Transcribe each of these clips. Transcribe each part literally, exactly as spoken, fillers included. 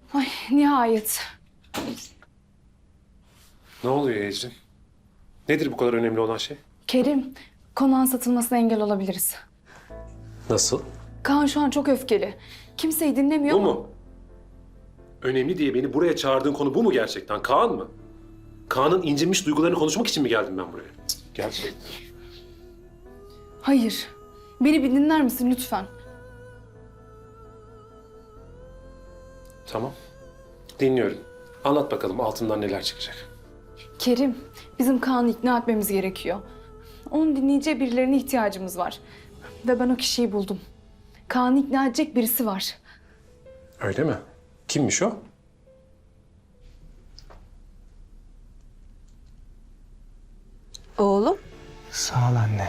Ay nihayet. Ne oluyor Ecrin? Nedir bu kadar önemli olan şey? Kerim, konağın satılmasına engel olabiliriz. Nasıl? Kaan şu an çok öfkeli. Kimseyi dinlemiyor Bu ama... mu? Önemli diye beni buraya çağırdığın konu bu mu gerçekten? Kaan mı? Kaan'ın incinmiş duygularını konuşmak için mi geldim ben buraya? Cık, gerçekten. Hayır. Beni bir dinler misin lütfen? Tamam. Dinliyorum. Anlat bakalım altından neler çıkacak. Kerim, bizim Kaan'ı ikna etmemiz gerekiyor. Onun dinleyeceği birilerine ihtiyacımız var. Ve ben o kişiyi buldum. Kaan'ı ikna edecek birisi var. Öyle mi? Kimmiş o? Oğlum, Sağ ol anne.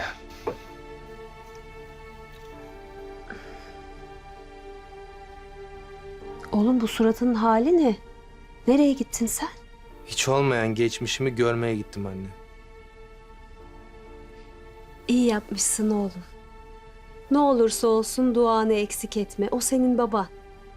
oğlum bu suratının hali ne? Nereye gittin sen? Hiç olmayan geçmişimi görmeye gittim anne. İyi yapmışsın oğlum. Ne olursa olsun duanı eksik etme. O senin baban.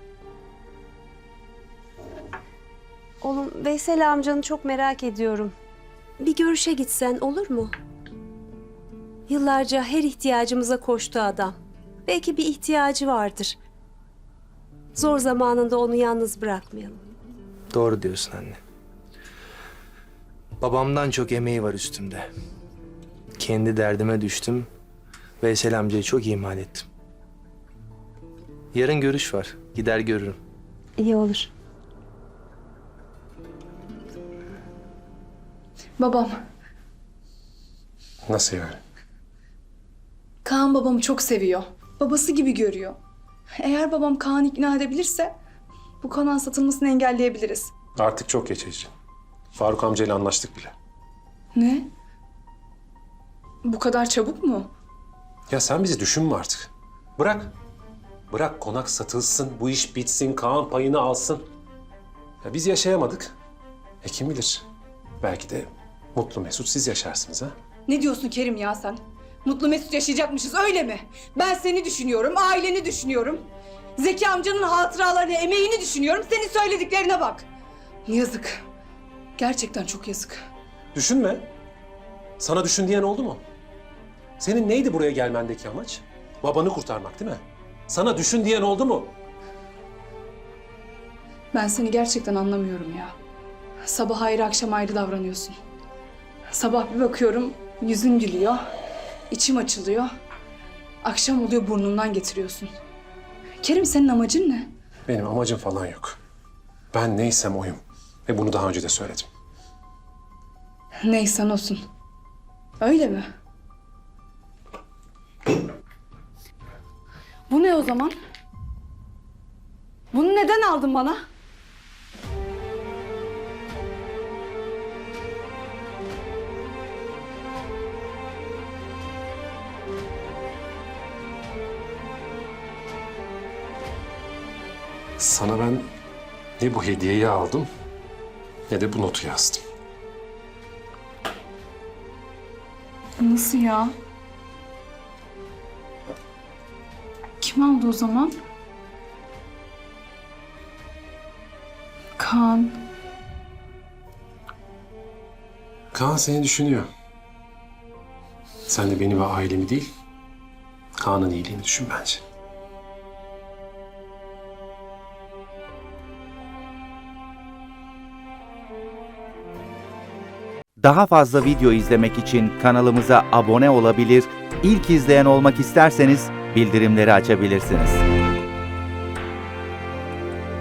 Oğlum Veysel amcanı çok merak ediyorum. Bir görüşe gitsen olur mu? Yıllarca her ihtiyacımıza koştu adam. Belki bir ihtiyacı vardır. Zor zamanında onu yalnız bırakmayalım. Doğru diyorsun anne. Babamdan çok emeği var üstümde. Kendi derdime düştüm. Veysel amcayı çok ihmal ettim. Yarın görüş var. Gider görürüm. İyi olur. Babam, Nasıl yani? Kaan babamı çok seviyor. Babası gibi görüyor. Eğer babam Kaan'ı ikna edebilirse bu konağın satılmasını engelleyebiliriz. Artık çok geç Ecrin. Faruk amcayla anlaştık bile. Ne? Bu kadar çabuk mu? Ya sen bizi düşünme artık. Bırak. Bırak konak satılsın, bu iş bitsin, Kaan payını alsın. Ya biz yaşayamadık. E kim bilir? Belki de mutlu mesut siz yaşarsınız ha? Ne diyorsun Kerim ya sen? Mutlu mesut yaşayacakmışız öyle mi? Ben seni düşünüyorum, aileni düşünüyorum. Zeki amcanın hatıralarını, emeğini düşünüyorum. Senin söylediklerine bak. Yazık. Gerçekten çok yazık. Düşünme. Sana düşün diyen oldu mu? Senin neydi buraya gelmendeki amaç? Babanı kurtarmak değil mi? Sana düşün diyen oldu mu? Ben seni gerçekten anlamıyorum ya. Sabah ayrı akşam ayrı davranıyorsun. Sabah bir bakıyorum yüzün gülüyor, içim açılıyor. Akşam oluyor burnumdan getiriyorsun. Kerim senin amacın ne? Benim amacım falan yok. Ben neysem oyum. Ve bunu daha önce de söyledim. Neysen olsun. Öyle mi? Bu ne o zaman? Bunu neden aldın bana? Sana ben ne bu hediyeyi aldım ne de bu notu yazdım. Nasıl ya? Kim aldı o zaman? Kaan. Kaan seni düşünüyor. Sen de beni ve ailemi değil, Kaan'ın iyiliğini düşün bence. Daha fazla video izlemek için kanalımıza abone olabilir, ilk izleyen olmak isterseniz bildirimleri açabilirsiniz.